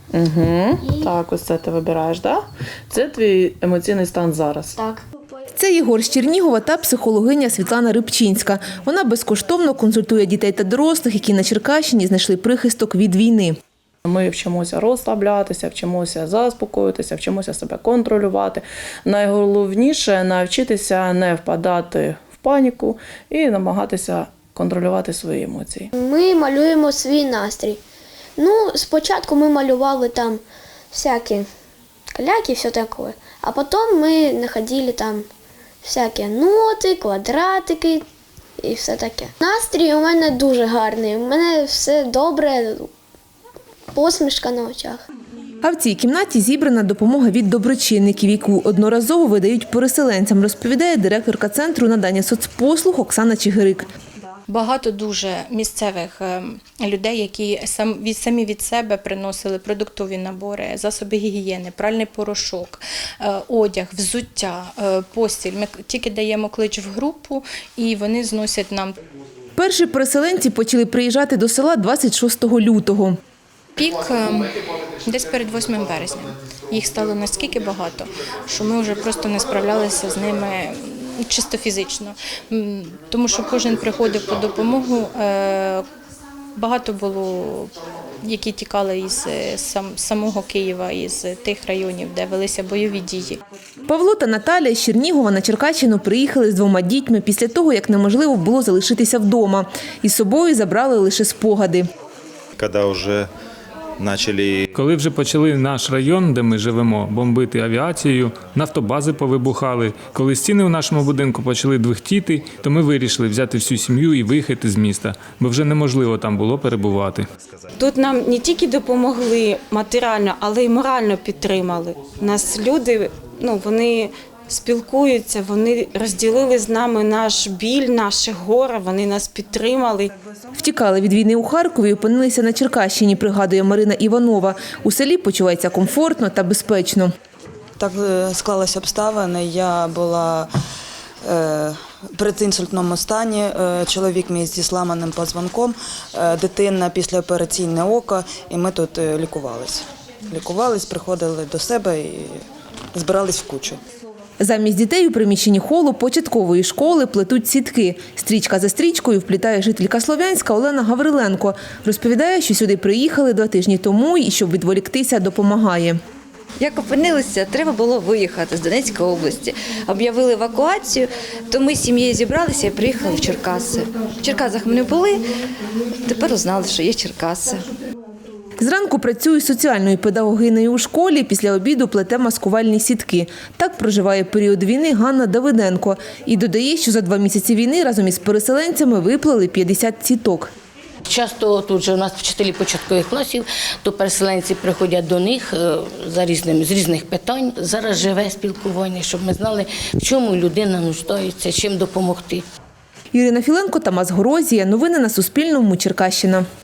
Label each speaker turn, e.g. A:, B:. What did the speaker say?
A: Угу. Так, ось це ти вибираєш, так? Да? Це твій емоційний стан зараз.
B: Так.
C: Це Єгор з Чернігова та психологиня Світлана Рибчинська. Вона безкоштовно консультує дітей та дорослих, які на Черкащині знайшли прихисток від війни.
A: Ми вчимося розслаблятися, вчимося заспокоїтися, вчимося себе контролювати. Найголовніше – навчитися не впадати в паніку і намагатися контролювати свої емоції.
B: Ми малюємо свій настрій. Спочатку ми малювали там всякі каляки і все таке, а потім ми знаходили там всякі ноти, квадратики і все таке. Настрій у мене дуже гарний, у мене все добре, посмішка на очах.
C: А в цій кімнаті зібрана допомога від доброчинників, яку одноразово видають переселенцям, розповідає директорка Центру надання соцпослуг Оксана Чигирик.
D: Багато дуже місцевих людей, які самі від себе приносили продуктові набори, засоби гігієни, пральний порошок, одяг, взуття, постіль. Ми тільки даємо клич в групу і вони зносять нам.
C: Перші переселенці почали приїжджати до села 26 лютого.
D: Пік десь перед 8 березня. Їх стало настільки багато, що ми вже просто не справлялися з ними чисто фізично. Тому що кожен приходив по допомогу. Багато було, які тікали із самого Києва, із тих районів, де велися бойові дії.
C: Павло та Наталя з Чернігова на Черкащину приїхали з 2 дітьми після того, як неможливо було залишитися вдома. Із собою забрали лише спогади.
E: Коли вже почали наш район, де ми живемо, бомбити авіацією, нафтобази повибухали. Коли стіни у нашому будинку почали двихтіти, то ми вирішили взяти всю сім'ю і виїхати з міста, бо вже неможливо там було перебувати.
F: Тут нам не тільки допомогли матеріально, але й морально підтримали. Нас люди, вони спілкуються, вони розділили з нами наш біль, наше горе, вони нас підтримали.
C: Втікали від війни у Харкові і опинилися на Черкащині, пригадує Марина Іванова. У селі почувається комфортно та безпечно.
G: Так склалися обставини. Я була в передінсультному стані, чоловік мій зі зламаним позвонком, дитина післяопераційне око, і ми тут лікувалися. Лікувались, приходили до себе і збирались в кучу.
C: Замість дітей у приміщенні холу початкової школи плетуть сітки. Стрічка за стрічкою вплітає жителька Слов'янська Олена Гавриленко. Розповідає, що сюди приїхали 2 тижні тому і, щоб відволіктися, допомагає.
H: Як опинилися, треба було виїхати з Донецької області. Об'явили евакуацію, то ми з сім'єю зібралися і приїхали в Черкаси. В Черкасах ми не були, тепер узнали, що є Черкаси.
C: Зранку працює соціальною педагогинею у школі, після обіду плете маскувальні сітки. Так проживає період війни Ганна Давиденко. І додає, що за 2 місяці війни разом із переселенцями виплели 50 сіток.
I: Часто тут же у нас вчителі початкових класів, то переселенці приходять до них з різних питань. Зараз живе спілкування, щоб ми знали, в чому людина нуждається, чим допомогти.
C: Ірина Філенко, Тамас Горозія. Новини на Суспільному. Черкащина.